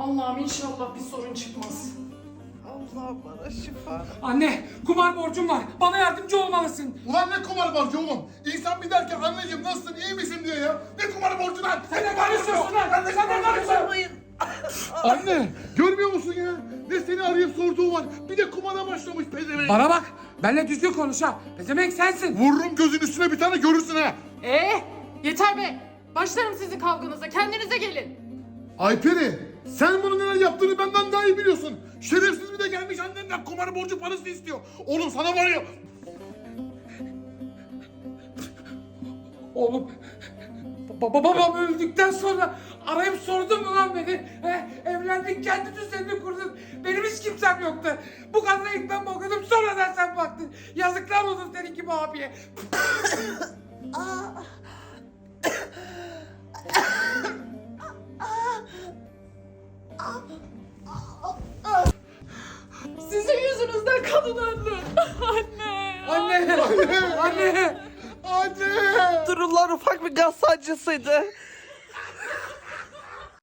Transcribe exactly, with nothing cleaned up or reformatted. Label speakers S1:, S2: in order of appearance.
S1: Allah'ım inşallah bir sorun çıkmaz.
S2: Allah bana şifa.
S3: Anne, kumar borcum var. Bana yardımcı olmalısın.
S4: Ulan ne kumar borcu oğlum? İnsan bir derken anneciğim nasılsın, iyi misin diyor ya. Ne kumar borcu lan?
S3: Sen ne karışıyorsun lan? Sen ne karışıyorsun?
S2: Sormayın.
S4: Anne görmüyor musun ya? Ne seni arayıp sorduğu var. Bir de kumara başlamış pezevenk.
S3: Bana bak, benimle düzgün konuş ha. Pezevenk sensin.
S4: Vururum gözün üstüne bir tane görürsün ha.
S1: Ee, yeter be. Başlarım sizin kavganıza. Kendinize gelin.
S4: Ayperi sen bunun neler yaptığını benden daha iyi biliyorsun. Şerefsiz bir de gelmiş annenden kumar borcu parası istiyor. Oğlum sana var ya.
S3: Oğlum, baba babam öldükten sonra arayıp sordun mu lan beni? He, evlendin, kendi düzenini kurdun. Benim hiç kimsem yoktu. Bu kadına ilk ben bakıyordum, sonradan sen baktın. Yazıklar olsun senin gibi abiye.
S1: Sizin yüzünüzden kadın öldü. Anne.
S3: Anne, anne.
S4: Anne.
S2: Dururlar ufak bir gaz sancısıydı.